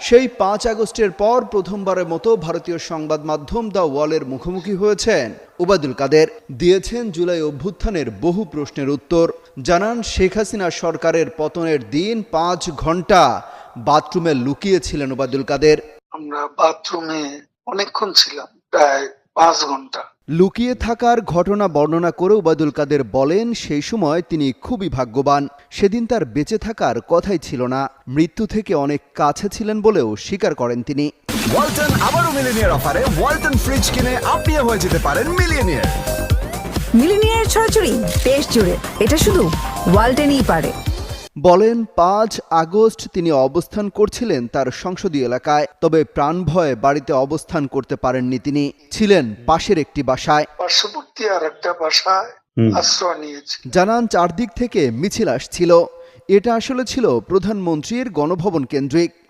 সেই 5 আগস্টের পর প্রথমবারের মতো ভারতীয় সংবাদ মাধ্যম দ্য ওয়ালের মুখোমুখি হয়েছেন ওবায়দুল কাদের। দিয়েছেন জুলাই অভ্যুত্থানের বহু প্রশ্নের উত্তর। জানান শেখ হাসিনা সরকারের পতনের দিন 5 ঘন্টা বাথরুমে লুকিয়েছিলেন ওবায়দুল কাদের। আমরা বাথরুমে অনেকক্ষণ ছিলাম, প্রায় 5 ঘন্টা। লুকিয়ে থাকার ঘটনা বর্ণনা করে ওবায়দুল কাদের বলেন, সেই সময় তিনি খুবই ভাগ্যবান। সেদিন তার বেঁচে থাকার কথাই ছিল না, মৃত্যু থেকে অনেক কাছে ছিলেন বলেও স্বীকার করেন তিনি। ওয়ালটন আবারও মিলিনিয়ার অফারে ওয়ালটন ফ্রিজ কিনে আপনিও হয়ে যেতে পারেন মিলিয়নিয়ার। মিলিনিয়ার ছড়াছড়ি দেশ জুড়ে, এটা শুধু ওয়ালটনই পারে। বলেন 5 আগস্ট তিনি অবস্থান করছিলেন তার সংসদীয় এলাকায়, তবে প্রাণ ভয়ে বাড়িতে অবস্থান করতে পারেননি। তিনি ছিলেন পাশের একটি বাসায়, পার্শ্ববর্তী আর একটা বাসায় আশ্রয় নিয়েছি। জানান চারদিক থেকে মিছিল আসছিল। এটা আসলে ছিল প্রধানমন্ত্রীর গণভবন কেন্দ্রিক।